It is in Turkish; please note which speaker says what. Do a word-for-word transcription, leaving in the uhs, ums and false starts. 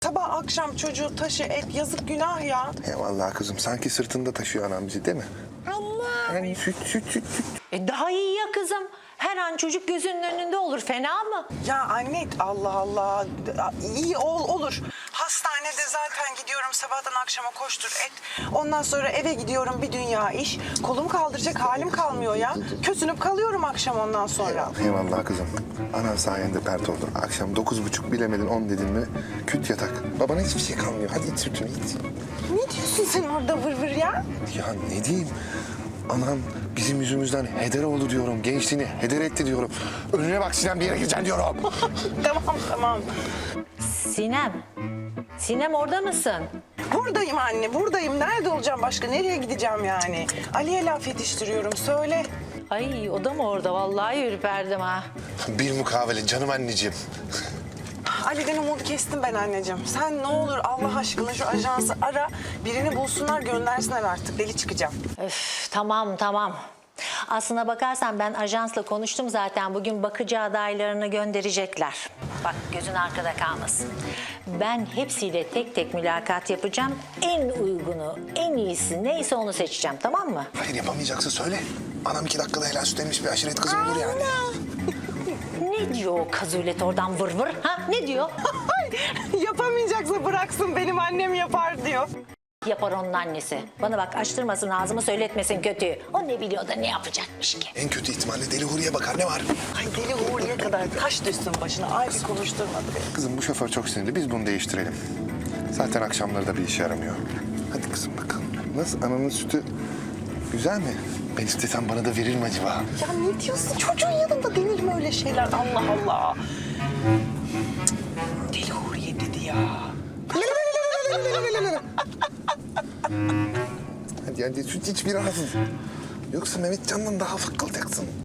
Speaker 1: Sabah akşam çocuğu taşı et, yazık günah ya.
Speaker 2: Eyvallah kızım, sanki sırtında taşıyor anam bizi değil mi?
Speaker 1: Allah.
Speaker 2: Yani süt süt süt süt.
Speaker 3: E daha iyi ya kızım. Her an çocuk gözünün önünde olur. Fena mı?
Speaker 1: Ya anne Allah Allah. İyi ol, olur. Hastanede zaten gidiyorum sabahtan akşama koştur et. Ondan sonra eve gidiyorum bir dünya iş. Kolum kaldıracak halim kalmıyor ya. Kösünüp kalıyorum akşam ondan sonra.
Speaker 2: Eyvallah kızım. Anan sayende pert oldu. Akşam dokuz buçuk bilemedin on dedin mi küt yatak. Babana hiçbir şey kalmıyor. Hadi iç sütünü iç.
Speaker 1: Ne diyorsun sen orada vır vır ya?
Speaker 2: Ya ne diyeyim? Anam bizim yüzümüzden heder oldu diyorum. Gençliğini heder etti diyorum. Önüne bak Sinem, bir yere gireceksin diyorum.
Speaker 1: Tamam tamam.
Speaker 3: Sinem. Sinem orada mısın?
Speaker 1: Buradayım anne, buradayım. Nerede olacağım başka? Nereye gideceğim yani? Ali'ye laf yetiştiriyorum, söyle.
Speaker 3: Ay o da mı orada? Vallahi ürperdim ha.
Speaker 2: Bir mukavele canım anneciğim.
Speaker 1: Ali'den umudu kestim ben anneciğim. Sen ne olur Allah aşkına şu ajansı ara. Birini bulsunlar, göndersinler artık. Deli çıkacağım.
Speaker 3: Öf, tamam tamam. Aslına bakarsan ben ajansla konuştum zaten. Bugün bakıcı adaylarını gönderecekler. Bak gözün arkada kalmasın. Ben hepsiyle tek tek mülakat yapacağım. En uygunu, en iyisi neyse onu seçeceğim, tamam mı?
Speaker 2: Hayır, yapamayacaksa söyle. Anam iki dakikada helal süt emmiş bir aşiret kızı olur yani.
Speaker 3: Ne diyor o kazulet oradan vır vır? Ha ne diyor?
Speaker 1: Yapamayacaksa bıraksın, benim annem yapar diyor.
Speaker 3: Yapar onun annesi. Bana bak açtırmasın ağzımı, söyletmesin kötüyü. O ne biliyor da ne yapacakmış ki?
Speaker 2: En kötü ihtimalle deli Huriye bakar, ne var?
Speaker 1: Ay deli Uğur'ya kadar taş düşsün başına. Ay bir konuşturmadı beni.
Speaker 2: Kızım bu şoför çok sinirli, biz bunu değiştirelim. Zaten akşamları da bir işe yaramıyor. Hadi kızım bakalım. Nasıl, ananın sütü güzel mi? Ben istesem bana da verir mi acaba?
Speaker 1: Ya ne diyorsun? Çocuğun yanında denir mi öyle şeyler? Allah Allah. Cık, deli Uğur'ya dedi ya.
Speaker 2: Hadi hadi süt iç biraz. Yoksa Mehmetcan'dan daha fıkkılacaksın.